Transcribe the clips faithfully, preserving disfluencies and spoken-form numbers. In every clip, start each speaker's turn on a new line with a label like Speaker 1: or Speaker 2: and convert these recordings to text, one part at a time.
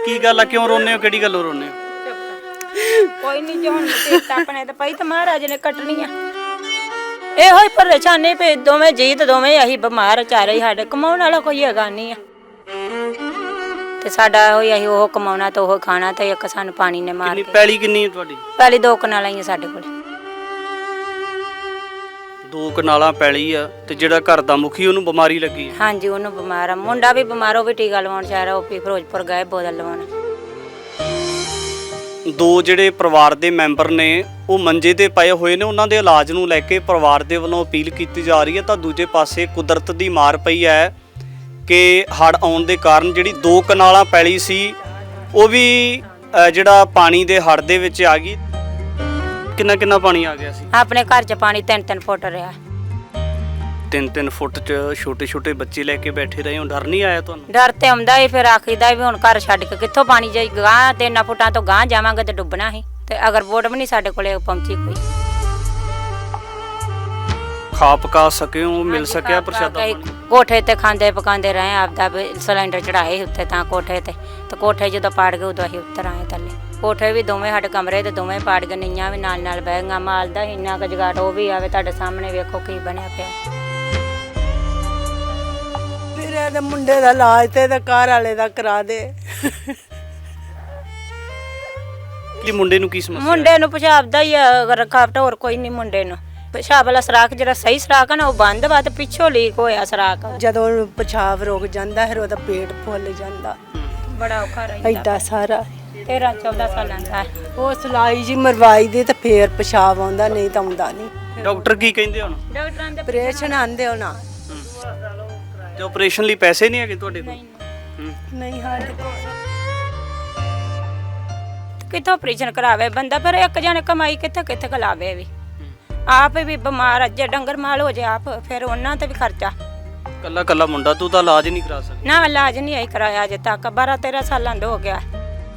Speaker 1: ਕੀ ਗੱਲ ਆ, ਕਿਉਂ ਰੋਨੇ ਹੋ, ਕਿਹੜੀ ਗੱਲੋਂ ਰੋਨੇ ਹੋ?
Speaker 2: ਕੋਈ ਨਹੀਂ ਜੋ ਹੁਣ ਤੇ ਆਪਣੇ ਤੇ ਪਈ ਤੇ ਮਹਾਰਾਜ ਨੇ ਕੱਟਣੀ ਆ। ਇਹੋ ਹੀ ਪਰੇਸ਼ਾਨੀ ਪੇ ਦੋਵੇਂ ਜੀ ਤੇ ਦੋਵੇਂ ਅਸੀਂ ਬਿਮਾਰ ਚਾਰੇ ਹੀ, ਸਾਡੇ ਕਮਾਉਣ ਵਾਲਾ ਕੋਈ ਹੈਗਾ ਨਹੀਂ ਆ ਤੇ ਸਾਡਾ ਹੋਈ ਅਸੀਂ ਉਹ ਕਮਾਉਣਾ ਤੇ ਉਹ ਖਾਣਾ ਤੇ ਇੱਕ ਸਾਨੂੰ ਪਾਣੀ ਨੇ ਮਾਰ
Speaker 1: ਕਿੰਨੀ
Speaker 2: ਕੇ।
Speaker 1: ਪੈਲੀ ਕਿੰਨੀ ਹੈ ਤੁਹਾਡੀ?
Speaker 2: ਪਹਿਲੀ ਦੋ ਕਨਾਲਾਂ ਹੀ ਆ ਸਾਡੇ ਕੋਲ।
Speaker 1: ਦੋ ਕਨਾਲਾਂ ਪੈਲੀ ਆ ਤੇ ਜਿਹੜਾ ਘਰ ਦਾ ਮੁਖੀ ਉਹਨੂੰ ਬਿਮਾਰੀ ਲੱਗੀ ਹੈ?
Speaker 2: ਹਾਂਜੀ ਉਹਨੂੰ ਬਿਮਾਰ ਆ, ਮੁੰਡਾ ਵੀ ਬਿਮਾਰ, ਉਹ ਵੀ ਟੀਕਾ ਲਵਾਉਣ ਚਾਹ ਰਿਹਾ, ਉਹ ਵੀ ਫਿਰੋਜ਼ਪੁਰ ਗਏ ਬੋਤਲ ਲਵਾਉਣ।
Speaker 1: ਦੋ ਜਿਹੜੇ ਪਰਿਵਾਰ ਦੇ ਮੈਂਬਰ ਨੇ ਉਹ ਮੰਜੇ ਤੇ ਪਏ ਹੋਏ ਨੇ, ਉਹਨਾਂ ਦੇ ਇਲਾਜ ਨੂੰ ਲੈ ਕੇ ਪਰਿਵਾਰ ਦੇ ਵੱਲੋਂ ਅਪੀਲ ਕੀਤੀ ਜਾ ਰਹੀ ਹੈ। ਤਾਂ ਦੂਜੇ ਪਾਸੇ ਕੁਦਰਤ ਦੀ ਮਾਰ ਪਈ ਹੈ ਕਿ ਹੜ੍ਹ ਆਉਣ ਦੇ ਕਾਰਨ ਜਿਹੜੀ ਦੋ ਕਨਾਲਾਂ ਪੈਲੀ ਸੀ ਉਹ ਵੀ ਜਿਹੜਾ ਪਾਣੀ ਦੇ ਹੜ੍ਹ ਦੇ ਵਿੱਚ ਆ ਗਈ। ਕਿੰਨਾ ਕਿੰਨਾ ਪਾਣੀ ਆ ਗਿਆ ਸੀ?
Speaker 2: ਆਪਣੇ ਘਰ 'ਚ ਪਾਣੀ ਤਿੰਨ ਤਿੰਨ ਫੁੱਟ ਰਿਹਾ।
Speaker 1: ਤਿੰਨ ਤਿੰਨ ਫੁੱਟ 'ਚ ਛੋਟੇ ਛੋਟੇ ਬੱਚੇ ਲੈ ਕੇ ਬੈਠੇ ਰਹੇ ਹੋ, ਡਰ ਨਹੀਂ ਆਇਆ ਤੁਹਾਨੂੰ?
Speaker 2: ਡਰ ਤੇ ਆਉਂਦਾ ਹੀ, ਫਿਰ ਆਖੀਦਾ ਵੀ ਹੁਣ ਘਰ ਛੱਡ ਕੇ ਕਿੱਥੋਂ ਪਾਣੀ ਜਾਈ, ਗਾਂ ਤਿੰਨ ਫੁੱਟਾਂ ਤੋਂ ਗਾਂ ਜਾਵਾਂਗੇ ਤੇ ਡੁੱਬਣਾ ਹੀ। ਤੇ ਅਗਰ ਵੋਟ ਵੀ ਨਹੀਂ ਸਾਡੇ ਕੋਲੇ ਪਹੁੰਚੀ ਕੋਈ।
Speaker 1: ਖਾ ਪਕਾ ਸਕੇ ਹੋ, ਮਿਲ ਸਕਿਆ ਪ੍ਰਸ਼ਾਦਾ ਪਾਣੀ?
Speaker 2: ਕੋਠੇ ਤੇ ਖਾਂਦੇ ਪਕਾਉਂਦੇ ਰਹੇ, ਆਪਦਾ ਸਿਲੰਡਰ ਚੜਾਏ ਉੱਤੇ ਤਾਂ ਕੋਠੇ ਤੇ ਤੇ ਕੋਠੇ ਜਦੋਂ ਪਾੜ ਗਏ ਉਦੋਂ ਅਸੀਂ ਉੱਤਰ ਆਏ ਥੱਲੇ। ਕੋਠੇ ਵੀ ਦੋਵੇਂ ਸਾਡੇ ਕਮਰੇ ਤੇ ਦੋਵੇਂ ਪਾੜ ਗਏ, ਨੀਆਂ ਵੀ ਨਾਲ ਨਾਲ ਬਹਿ ਗਈਆਂ। ਮਾਲ ਦਾ ਇੰਨਾ ਕੁ ਜਗਾੜ ਉਹ ਵੀ ਆਵੇ ਤੁਹਾਡੇ ਸਾਹਮਣੇ, ਵੇਖੋ ਕੀ ਬਣਿਆ ਪਿਆ।
Speaker 3: ਮੇਰੇ ਦੇ ਮੁੰਡੇ ਦਾ ਇਲਾਜ ਤੇ ਇਹਦੇ ਘਰ ਵਾਲੇ ਦਾ ਕਰਾ ਦੇ।
Speaker 1: ਕੀ ਮੁੰਡੇ ਨੂੰ ਕੀ ਸਮੱਸਿਆ?
Speaker 2: ਮੁੰਡੇ ਨੂੰ ਪਿਸ਼ਾਬ ਦਾ ਹੀ ਰਕਾਵਟ, ਹੋਰ ਕੋਈ ਨਹੀਂ ਮੁੰਡੇ ਨੂੰ। ਪਿਸ਼ਾਬ ਵਾਲਾ ਸਰਾਖ ਜਿਹੜਾ ਸਹੀ ਸਰਾਖ ਹੈ ਨਾ ਉਹ ਬੰਦ ਵਾ ਤੇ ਪਿੱਛੋਂ ਲੀਕ ਹੋਇਆ ਸਰਾਖ।
Speaker 3: ਜਦੋਂ ਪਿਸ਼ਾਬ ਰੁਕ ਜਾਂਦਾ ਫਿਰ ਉਹਦਾ ਪੇਟ ਫੁੱਲ ਜਾਂਦਾ,
Speaker 2: ਬੜਾ ਔਖਾ ਰਹਿੰਦਾ।
Speaker 3: ਐਡਾ ਸਾਰਾ
Speaker 2: ਤੇਰਾਂ ਚੌਦਾਂ ਸਾਲਾਂ ਦਾ
Speaker 3: ਉਹ ਸਲਾਈ ਜੀ ਮਰਵਾਈ ਦੀ ਤੇ ਫੇਰ ਪਿਸ਼ਾਬ ਆਉਂਦਾ, ਨਹੀਂ ਤਾਂ ਆਉਂਦਾ ਨਹੀਂ।
Speaker 1: ਡਾਕਟਰ ਕੀ ਕਹਿੰਦੇ ਹੁਣ?
Speaker 2: ਡਾਕਟਰਾਂ ਦੇ
Speaker 3: ਆਪਰੇਸ਼ਨ ਆਂਦੇ ਹੋਣਾ।
Speaker 1: ਤੇ ਆਪਰੇਸ਼ਨ ਲਈ ਪੈਸੇ ਨਹੀਂ ਹੈਗੇ ਤੁਹਾਡੇ ਕੋਲ?
Speaker 3: ਨਹੀਂ ਸਾਡੇ ਕੋਲ
Speaker 2: ਕਿੱਥੋਂ ਆਪਰੇਸ਼ਨ ਕਰਾਵੇ ਬੰਦਾ, ਪਰ ਇੱਕ ਜਣੇ ਕਮਾਈ ਕਿੱਥੇ ਕਿੱਥੇ ਕਲਾਵੇ ਵੀ। ਆਪ ਵੀ ਬਿਮਾਰ, ਅੱਜੇ ਡੰਗਰ ਮਾਲ ਹੋ ਜੇ ਆਪ, ਫਿਰ ਉਹਨਾਂ ਤੇ ਵੀ ਖਰਚਾ।
Speaker 1: ਕੱਲਾ ਕੱਲਾ ਮੁੰਡਾ, ਤੂੰ ਤਾਂ ਇਲਾਜ ਨਹੀਂ ਕਰਾ ਸਕਦਾ?
Speaker 2: ਨਾ ਇਲਾਜ ਨਹੀਂ ਆਈ ਕਰਾਇਆ ਅਜੇ ਤੱਕ, ਬਾਰਾਂ ਤੇਰਾਂ ਸਾਲਾਂ ਦਾ ਹੋ ਗਿਆ।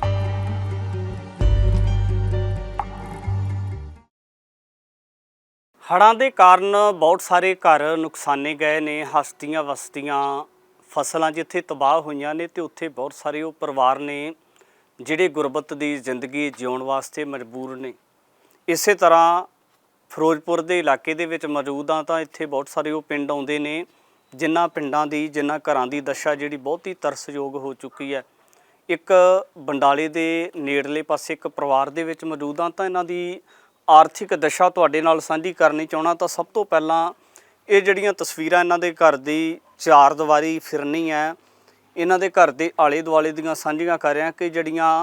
Speaker 1: ਹੜ੍ਹਾਂ ਦੇ ਕਾਰਨ ਬਹੁਤ ਸਾਰੇ ਘਰ ਨੁਕਸਾਨੇ ਗਏ ਨੇ, ਹਸਤੀਆਂ ਵਸਤੀਆਂ ਫਸਲਾਂ ਜਿੱਥੇ ਤਬਾਹ ਹੋਈਆਂ ਨੇ ਤੇ ਉੱਥੇ ਬਹੁਤ ਸਾਰੇ ਉਹ ਪਰਿਵਾਰ ਨੇ ਜਿਹੜੇ ਗੁਰਬਤ ਦੀ ਜ਼ਿੰਦਗੀ ਜਿਉਣ ਵਾਸਤੇ ਮਜਬੂਰ ਨੇ। ਇਸੇ ਤਰ੍ਹਾਂ ਫਿਰੋਜ਼ਪੁਰ ਦੇ ਇਲਾਕੇ ਦੇ ਵਿੱਚ ਮੌਜੂਦ ਹਾਂ ਤਾਂ ਇੱਥੇ ਬਹੁਤ ਸਾਰੇ ਉਹ ਪਿੰਡ ਆਉਂਦੇ ਨੇ ਜਿਨ੍ਹਾਂ ਪਿੰਡਾਂ ਦੀ, ਜਿਨ੍ਹਾਂ ਘਰਾਂ ਦੀ ਦਸ਼ਾ ਜਿਹੜੀ ਬਹੁਤ ਹੀ ਤਰਸਯੋਗ ਹੋ ਚੁੱਕੀ ਹੈ। ਇੱਕ ਬੰਡਾਲੇ ਦੇ ਨੇੜਲੇ ਪਾਸੇ ਇੱਕ ਪਰਿਵਾਰ ਦੇ ਵਿੱਚ ਮੌਜੂਦ ਹਾਂ ਤਾਂ ਇਹਨਾਂ ਦੀ ਆਰਥਿਕ ਦਸ਼ਾ ਤੁਹਾਡੇ ਨਾਲ ਸਾਂਝੀ ਕਰਨੀ ਚਾਹੁੰਦਾ। ਤਾਂ ਸਭ ਤੋਂ ਪਹਿਲਾਂ ਇਹ ਜਿਹੜੀਆਂ ਤਸਵੀਰਾਂ ਇਹਨਾਂ ਦੇ ਘਰ ਦੀ ਚਾਰ ਦੀਵਾਰੀ ਫਿਰਨੀ ਹੈ, ਇਹਨਾਂ ਦੇ ਘਰ ਦੇ ਆਲੇ ਦੁਆਲੇ ਦੀਆਂ ਸਾਂਝੀਆਂ ਕਰ ਰਿਹਾ ਕਿ ਜਿਹੜੀਆਂ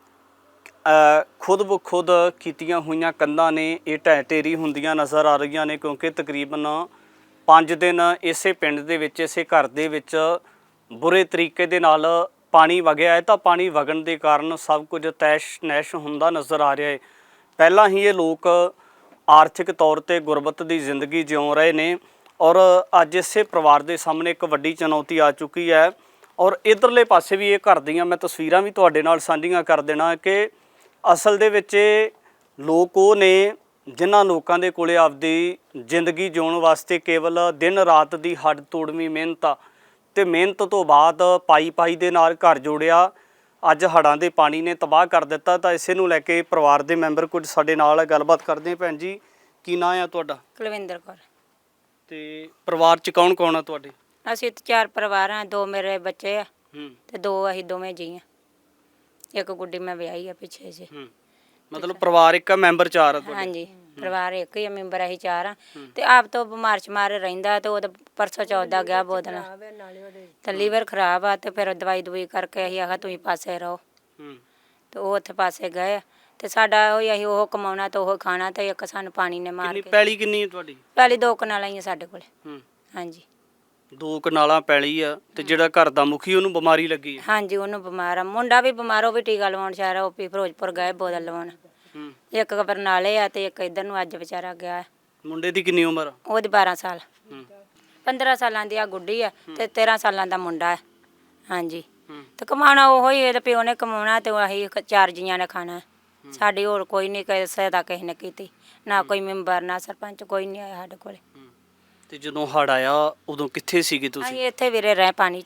Speaker 1: ਖੁਦ ਬ ਖੁਦ ਕੀਤੀਆਂ ਹੋਈਆਂ ਕੰਧਾਂ ਨੇ ਇਹ ਢਹਿ ਢੇਰੀ ਹੁੰਦੀਆਂ ਨਜ਼ਰ ਆ ਰਹੀਆਂ ਨੇ, ਕਿਉਂਕਿ ਤਕਰੀਬਨ ਪੰਜ ਦਿਨ ਇਸੇ ਪਿੰਡ ਦੇ ਵਿੱਚ, ਇਸੇ ਘਰ ਦੇ ਵਿੱਚ ਬੁਰੇ ਤਰੀਕੇ ਦੇ ਨਾਲ ਪਾਣੀ ਵਗਿਆ ਹੈ। ਤਾਂ ਪਾਣੀ ਵਗਣ ਦੇ ਕਾਰਨ ਸਭ ਕੁਝ ਤੈਸ਼ ਨੈਸ਼ ਹੁੰਦਾ ਨਜ਼ਰ ਆ ਰਿਹਾ ਹੈ। ਪਹਿਲਾਂ ਹੀ ਇਹ ਲੋਕ ਆਰਥਿਕ ਤੌਰ ਤੇ ਗੁਰਬਤ ਦੀ ਜ਼ਿੰਦਗੀ ਜਿਉ ਰਹੇ ਨੇ ਔਰ ਅੱਜ ਇਸੇ ਪਰਿਵਾਰ ਦੇ ਸਾਹਮਣੇ ਇੱਕ ਵੱਡੀ ਚੁਣੌਤੀ ਆ ਚੁੱਕੀ ਹੈ। ਔਰ ਇਧਰਲੇ ਪਾਸੇ ਵੀ ਇਹ ਘਰ ਦੀਆਂ ਮੈਂ ਤਸਵੀਰਾਂ ਵੀ ਤੁਹਾਡੇ ਨਾਲ ਸਾਂਝੀਆਂ ਕਰ ਦੇਣਾ ਕਿ ਅਸਲ ਦੇ ਵਿੱਚ ਲੋਕ ਉਹ ਨੇ ਜਿਨ੍ਹਾਂ ਲੋਕਾਂ ਦੇ ਕੋਲੇ ਆਪਦੀ ਜ਼ਿੰਦਗੀ ਜਿਉਣ ਵਾਸਤੇ ਕੇਵਲ ਦਿਨ ਰਾਤ ਦੀ ਹੱਡ ਤੋੜਵੀਂ ਮਿਹਨਤ ਆ ਤੇ ਮਿਹਨਤ ਤੋਂ ਬਾਅਦ ਪਾਈ ਪਾਈ ਦੇ ਨਾਲ ਘਰ ਜੋੜਿਆ, ਅੱਜ ਹੜ੍ਹਾਂ ਦੇ ਪਾਣੀ ਨੇ ਤਬਾਹ ਕਰ ਦਿੱਤਾ। ਤਾਂ ਇਸੇ ਨੂੰ ਲੈ ਕੇ ਪਰਿਵਾਰ ਦੇ ਮੈਂਬਰ ਕੁਝ ਸਾਡੇ ਨਾਲ ਗੱਲਬਾਤ ਕਰਦੇ। ਭੈਣ ਜੀ ਕੀ ਨਾਂ ਆ ਤੁਹਾਡਾ?
Speaker 2: ਕੁਲਵਿੰਦਰ ਕੌਰ।
Speaker 1: ਤੇ ਪਰਿਵਾਰ 'ਚ ਕੌਣ ਕੌਣ ਆ ਤੁਹਾਡੇ?
Speaker 2: ਅਸੀਂ ਤੇ ਚਾਰ ਪਰਿਵਾਰ ਆ, ਦੋ ਮੇਰੇ ਬੱਚੇ ਆ ਤੇ ਦੋ ਅਸੀਂ ਦੋਵੇਂ ਜੀ ਆ। ਇੱਕ ਗੁੱਡੀ ਮੈਂ ਵਿਆਹੀ ਆ ਪਿੱਛੇ ਜੇ।
Speaker 1: ਮਤਲਬ ਪਰਿਵਾਰ ਇੱਕ ਮੈਂਬਰ ਚਾਰ ਆ ਤੁਹਾਡੇ?
Speaker 2: ਹਾਂਜੀ ਪਰਿਵਾਰ ਇੱਕ ਹੀ ਆ, ਮੈਂਬਰ ਅਸੀਂ ਚਾਰ ਆ। ਤੇ ਆਪ ਤੋਂ ਬਿਮਾਰ ਸ਼ਮਾਰ ਰਹਿੰਦਾ ਤੇ ਉਹ ਪਰਸੋਂ ਚੌਥ ਗਿਆ ਬੋਤਲ ਤੇ ਲੀਵਰ ਖਰਾਬ ਆ ਤੇ ਫਿਰ ਦਵਾਈ ਦਵਾਈ ਕਰਕੇ ਅਸੀਂ ਆਖਿਆ ਤੁਸੀਂ ਪਾਸੇ ਰਹੋ ਤੇ ਉਹ ਉੱਥੇ ਪਾਸੇ ਗਏ। ਤੇ ਸਾਡਾ ਉਹ ਅਸੀਂ ਉਹ ਕਮਾਉਣਾ ਤੇ ਉਹ ਖਾਣਾ ਤੇ ਇੱਕ ਸਾਨੂੰ ਪਾਣੀ ਨੇ ਮਾਰ ਕੇ।
Speaker 1: ਪੈਲੀ ਕਿੰਨੀ ਹੈ ਤੁਹਾਡੀ?
Speaker 2: ਪਹਿਲੀ ਦੋ ਕਨਾਲਾਂ ਹੀ ਆ ਸਾਡੇ ਕੋਲ। ਹਾਂਜੀ
Speaker 1: ਦੋ ਕਨਾਲਾਂ ਪੈਲੀ ਆ ਤੇ ਜਿਹੜਾ ਘਰ ਦਾ ਮੁਖੀ ਉਹਨੂੰ ਬਿਮਾਰੀ ਲੱਗੀ ਹੈ?
Speaker 2: ਹਾਂਜੀ ਉਹਨੂੰ ਬਿਮਾਰ ਆ, ਮੁੰਡਾ ਵੀ ਬਿਮਾਰ, ਉਹ ਵੀ ਟੀਕਾ ਲਵਾਉਣ ਚਾਹ ਰਿਹਾ, ਉਹ ਵੀ ਫਿਰੋਜ਼ਪੁਰ ਗਏ ਬੋਤਲ ਲਵਾਉਣ। ਇੱਕ ਬਰਨਾਲੇ ਆ ਤੇ ਇੱਕ ਇੱਧਰ ਨੂੰ ਅੱਜ ਵਿਚਾਰਾ ਗਿਆ।
Speaker 1: ਮੁੰਡੇ ਦੀ ਕਿੰਨੀ ਉਮਰ?
Speaker 2: ਉਹਦੀ ਬਾਰਾਂ ਸਾਲ। ਪੰਦਰਾਂ ਸਾਲਾਂ ਦੀ ਆ ਗੁੱਡੀ ਆ ਤੇ ਤੇਰਾਂ ਸਾਲਾਂ ਦਾ ਮੁੰਡਾ ਹੈ। ਹਾਂਜੀ ਤੇ ਕਮਾਉਣਾ ਉਹੋ ਹੀ, ਇਹਦੇ ਪਿਓ ਨੇ ਕਮਾਉਣਾ ਤੇ ਅਸੀਂ ਚਾਰ ਜੀਆਂ ਨੇ ਖਾਣਾ। ਸਾਡੀ ਹੋਰ ਕੋਈ ਨਹੀਂ ਕਿਸੇ ਦਾ ਕਿਸੇ ਨੇ ਕੀਤੀ, ਨਾ ਕੋਈ ਮੈਂਬਰ ਨਾ ਸਰਪੰਚ, ਕੋਈ ਨਹੀਂ ਆਇਆ ਸਾਡੇ ਕੋਲ।
Speaker 1: ਤੇ ਜਦੋਂ ਹੜ੍ਹ ਆਇਆ ਉਦੋਂ ਕਿੱਥੇ ਸੀਗੇ ਤੁਸੀਂ?
Speaker 2: ਅਸੀਂ ਇੱਥੇ ਵੀਰੇ ਰਹੇ ਪਾਣੀ 'ਚ।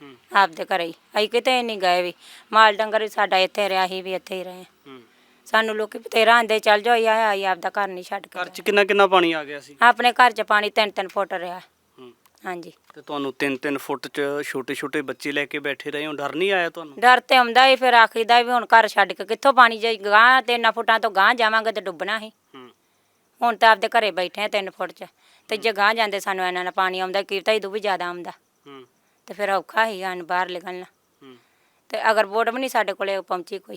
Speaker 2: ਆਪਦੇ ਘਰੇ ਹੀ, ਅਸੀਂ ਕਿਤੇ ਨਹੀਂ ਗਏ ਵੀ। ਮਾਲ ਡੰਗਰ ਵੀ ਸਾਡਾ ਇੱਥੇ ਰਿਹਾ, ਅਸੀਂ ਵੀ ਇੱਥੇ ਹੀ ਰਹੇ। ਸਾਨੂੰ ਲੋਕੀ ਬਥੇਰਾ ਆਂਦੇ ਚੱਲ ਜਾਓ, ਆਇਆ ਆਈ ਆਪਦਾ ਘਰ ਨਹੀਂ ਛੱਡ ਕੇ
Speaker 1: ਘਰ 'ਚ ਕਿੰਨਾ ਕਿੰਨਾ ਪਾਣੀ ਆ ਗਿਆ ਸੀ?
Speaker 2: ਆਪਣੇ ਘਰ 'ਚ ਪਾਣੀ ਤਿੰਨ ਤਿੰਨ ਫੁੱਟ ਰਿਹਾ। ਹਾਂਜੀ।
Speaker 1: ਤੇ ਤੁਹਾਨੂੰ ਤਿੰਨ ਤਿੰਨ ਫੁੱਟ 'ਚ ਛੋਟੇ ਛੋਟੇ ਬੱਚੇ ਲੈ ਕੇ ਬੈਠੇ ਰਹੇ ਹੋ, ਡਰ ਨਹੀਂ ਆਇਆ ਤੁਹਾਨੂੰ?
Speaker 2: ਡਰ ਤੇ ਆਉਂਦਾ ਹੀ, ਫਿਰ ਆਖੀਦਾ ਵੀ ਹੁਣ ਘਰ ਛੱਡ ਕੇ ਕਿੱਥੋਂ ਪਾਣੀ ਜਾਈ, ਗਾਂ ਤਿੰਨ ਫੁੱਟਾਂ ਤੋਂ ਗਾਂ ਜਾਵਾਂਗੇ ਤੇ ਡੁੱਬਣਾ ਸੀ। ਹੁਣ ਤਾਂ ਆਪਦੇ ਘਰੇ ਬੈਠੇ ਆ ਤਿੰਨ ਫੁੱਟ 'ਚ, ਤੇ ਜੇ ਗਾਂ ਜਾਂਦੇ ਸਾਨੂੰ ਇਹਨਾਂ ਨਾਲ ਪਾਣੀ ਆਉਂਦਾ, ਕੀਰਤਾ ਇਦੋਂ ਵੀ ਜ਼ਿਆਦਾ ਆਉਂਦਾ, ਤੇ ਫਿਰ ਔਖਾ ਹੀ ਸਾਨੂੰ ਬਾਹਰ ਨਿਕਲਣਾ। ਤੇ ਅਗਰ ਵੋਟ ਵੀ ਨਹੀਂ ਸਾਡੇ ਕੋਲੇ ਪਹੁੰਚੀ ਕੋਈ,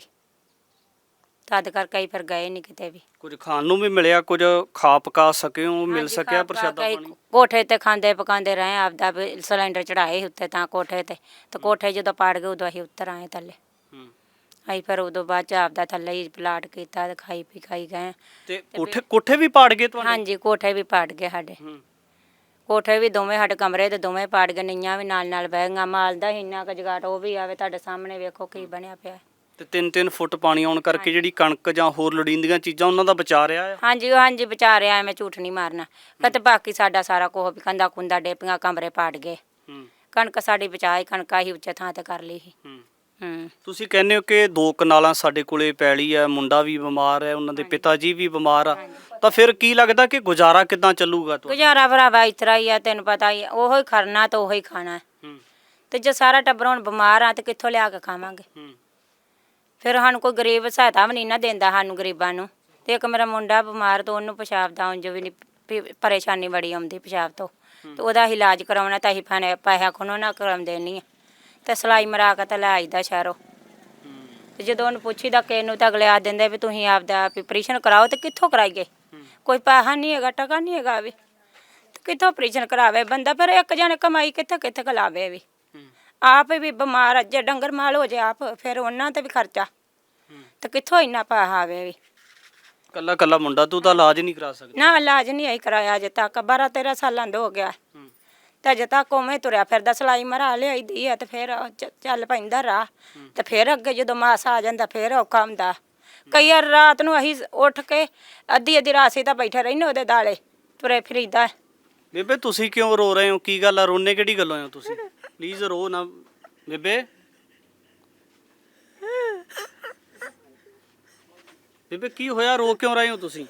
Speaker 2: ਤਦ ਕਰਕੇ ਅਸੀਂ ਫਿਰ ਗਏ ਨਹੀਂ ਕਿਤੇ ਵੀ।
Speaker 1: ਕੁਝ ਖਾਣ ਨੂੰ ਵੀ ਮਿਲਿਆ, ਕੁਝ ਖਾ ਪਕਾ ਸਕੇ ਹੋ, ਮਿਲ
Speaker 2: ਹਾਂਜੀ,
Speaker 1: ਸਕਿਆ
Speaker 2: ਖਾ
Speaker 1: ਪ੍ਰਸ਼ਾਦਾ
Speaker 2: ਪਕਾ ਕੇ
Speaker 1: ਪਾਣੀ?
Speaker 2: ਕੋਠੇ ਤੇ ਖਾਂਦੇ ਪਕਾਉਂਦੇ ਰਹੇ, ਆਪਦਾ ਵੀ ਸਿਲੰਡਰ ਚੜਾਏ ਉੱਤੇ ਤਾਂ ਕੋਠੇ ਤੇ, ਤੇ ਕੋਠੇ ਜਦੋਂ ਪਾੜ ਗਏ ਉਦੋਂ ਅਸੀਂ ਉੱਤਰ ਆਏ ਥੱਲੇ। ਅਸੀਂ ਫਿਰ ਉਦੋਂ ਬਾਅਦ ਚ ਆਪਦਾ ਥੱਲੇ ਹੀ ਪਲਾਟ ਕੀਤਾ ਤੇ ਖਾਈ ਪੀ ਖਾਈ ਗਏ।
Speaker 1: ਤੇ ਕੋਠੇ ਕੋਠੇ ਵੀ ਪਾੜ ਗਏ ਤੁਹਾਡੇ?
Speaker 2: ਹਾਂਜੀ, ਕੋਠੇ ਵੀ ਪਾੜ ਗਏ ਸਾਡੇ। ਕੋਠੇ ਵੀ ਦੋਵੇਂ ਸਾਡੇ ਕਮਰੇ ਤੇ ਦੋਵੇਂ ਪਾੜ ਗਏ, ਨੀਆਂ ਵੀ ਨਾਲ ਨਾਲ ਬਹਿ ਗਈਆਂ। ਮਾਲ ਦਾ ਇੰਨਾ ਕੁ ਜਗਾਟ ਉਹ ਵੀ ਆਵੇ, ਤੁਹਾਡੇ ਸਾਹਮਣੇ ਵੇਖੋ ਕੀ ਬਣਿਆ ਪਿਆ।
Speaker 1: ਤੇ ਤਿੰਨ ਤਿੰਨ ਫੁੱਟ ਪਾਣੀ ਆਉਣ ਕਰਕੇ ਜਿਹੜੀ ਕਣਕ ਜਾਂ ਹੋਰ ਲੋੜੀਂਦੀਆਂ ਚੀਜ਼ਾਂ ਉਹਨਾਂ ਦਾ ਬਚਾ ਰਿਹਾ ਆ?
Speaker 2: ਹਾਂਜੀ ਹਾਂਜੀ, ਬਚਾ ਰਿਹਾ, ਮੈਂ ਝੂਠ ਨਹੀਂ ਮਾਰਨਾ। ਕਿਤੇ ਬਾਕੀ ਸਾਡਾ ਸਾਰਾ ਕੋਹ ਵੀ ਕੰਦਾ ਕੁੰਦਾ ਡੇਪੀਆਂ, ਕਮਰੇ ਪਾੜ ਗਏ। ਕਣਕ ਸਾਡੀ ਬਚਾਈ, ਕਣਕ ਅਸੀਂ ਉੱਚੇ ਥਾਂ ਤੇ ਕਰ ਲਈ ਸੀ। ਹੂੰ।
Speaker 1: ਤੁਸੀਂ ਕਹਿੰਦੇ ਹੋ ਕਿ ਦੋ ਕਨਾਲਾਂ ਸਾਡੇ ਕੋਲੇ ਪੈਲੀ ਹੈ, ਮੁੰਡਾ ਵੀ ਬਿਮਾਰ ਹੈ, ਉਹਨਾਂ ਦੇ ਪਿਤਾ ਜੀ ਵੀ ਬਿਮਾਰ ਆ, ਤਾਂ ਫਿਰ ਕੀ ਲੱਗਦਾ ਕਿ ਗੁਜ਼ਾਰਾ ਕਿੱਦਾਂ ਚੱਲੂਗਾ ਤੁਹਾਡਾ?
Speaker 2: ਗੁਜ਼ਾਰਾ ਭਰਾਵਾ ਇਸ ਤਰ੍ਹਾਂ ਹੀ ਆ, ਤੈਨੂੰ ਪਤਾ ਹੀ ਆ, ਉਹੋ ਹੀ ਖਰਨਾ ਤੇ ਉਹੋ ਹੀ ਖਾਣਾ। ਤੇ ਜੇ ਸਾਰਾ ਟੱਬਰ ਹੁਣ ਬਿਮਾਰ ਆ ਤੇ ਕਿੱਥੋਂ ਲਿਆ ਕੇ ਖਾਵਾਂਗੇ? ਫਿਰ ਸਾਨੂੰ ਕੋਈ ਗਰੀਬ ਸਹਾਇਤਾ ਵੀ ਨਹੀਂ ਨਾ ਦਿੰਦਾ, ਸਾਨੂੰ ਗਰੀਬਾਂ ਨੂੰ। ਤੇ ਇੱਕ ਮੇਰਾ ਮੁੰਡਾ ਬਿਮਾਰ, ਤਾਂ ਉਹਨੂੰ ਪਿਸ਼ਾਬ ਦਾ ਉਂਝ ਵੀ ਨਹੀਂ, ਪਰੇਸ਼ਾਨੀ ਬੜੀ ਆਉਂਦੀ ਪਿਸ਼ਾਬ ਤੋਂ, ਤੇ ਉਹਦਾ ਇਲਾਜ ਕਰਾਉਣਾ ਤਾਂ ਅਸੀਂ ਫਾਨੇ ਪੈਸਾ ਖੁਣੋ ਨਾ ਕਰਾਉਂਦੇ ਨਹੀਂ ਆ, ਤੇ ਸਿਲਾਈ ਮਰਾ ਕੇ ਤਾਂ ਲੈ ਆਈਦਾ ਸ਼ਹਿਰੋਂ। ਤੇ ਜਦੋਂ ਉਹਨੂੰ ਪੁੱਛੀਦਾ ਕਿਸੇ ਨੂੰ ਤਾਂ ਅਗਲੇ ਆ ਦਿੰਦੇ ਵੀ ਤੁਸੀਂ ਆਪਦਾ ਆਪਰੇਸ਼ਨ ਕਰਾਓ, ਤੇ ਕਿੱਥੋਂ ਕਰਾਈਏ? ਕੋਈ ਪੈਸਾ ਨਹੀਂ ਹੈਗਾ, ਟਕਾ ਨਹੀਂ ਹੈਗਾ ਵੀ, ਤੇ ਕਿੱਥੋਂ ਆਪਰੇਸ਼ਨ ਕਰਾਵੇ ਬੰਦਾ? ਫਿਰ ਇੱਕ ਜਣੇ ਕਮਾਈ ਕਿੱਥੇ ਕਿੱਥੇ ਕਲਾਵੇ ਵੀ, ਆਪ ਵੀ ਬਿਮਾਰ, ਜੇ ਡੰਗਰ ਮਾਲ ਹੋ ਜੇ ਆਪ, ਫਿਰ ਉਹਨਾਂ ਤੇ ਵੀ ਖਰਚਾ, ਤੇ ਕਿੱਥੋਂ ਇੰਨਾ ਪੈਸਾ ਆਵੇ ਵੀ?
Speaker 1: ਕੱਲਾ ਕੱਲਾ ਮੁੰਡਾ, ਤੂੰ ਤਾਂ ਇਲਾਜ ਨਹੀਂ ਕਰਾ ਸਕਦਾ?
Speaker 2: ਨਾ, ਇਲਾਜ ਨਹੀਂ ਆਈ ਕਰਾਇਆ ਅਜੇ ਤੱਕ, ਬਾਰਾਂ ਤੇਰਾਂ ਸਾਲਾਂ ਦਾ ਹੋ ਗਿਆ, ਤੇ ਅਜੇ ਤੱਕ ਉਵੇਂ ਤੁਰਿਆ ਫਿਰਦਾ। ਸਿਲਾਈ ਮਰਾ ਲਿਆਈਦੀ ਆ, ਤੇ ਫਿਰ ਚ- ਚੱਲ ਪੈਂਦਾ ਰਾਹ, ਤੇ ਫਿਰ ਅੱਗੇ ਜਦੋਂ ਮਾਸ ਆ ਜਾਂਦਾ ਫਿਰ ਔਖਾ ਹੁੰਦਾ। ਕਈ ਵਾਰ ਰਾਤ ਨੂੰ ਅਸੀਂ ਉੱਠ ਕੇ ਅੱਧੀ ਅੱਧੀ ਰਾਤ ਤਾਂ ਬੈਠੇ ਰਹਿੰਦੇ ਉਹਦੇ ਦਾਲੇ, ਤੁਰੇ ਫਿਰੀਦਾ।
Speaker 1: ਬੇਬੇ ਤੁਸੀਂ ਕਿਉਂ ਰੋ ਰਹੇ ਹੋ? ਕੀ ਗੱਲ ਆ, ਰੋਣੇ ਕਿਹੜੀ ਗੱਲੋਂ ਹੋ ਤੁਸੀਂ? ਪਲੀਜ਼ ਰੋ ਨਾ ਬੇਬੇ। ਬੇਬੇ ਕੀ ਹੋਇਆ, ਰੋ ਕਿਉਂ ਰਹੇ ਹੋ ਤੁਸੀਂ?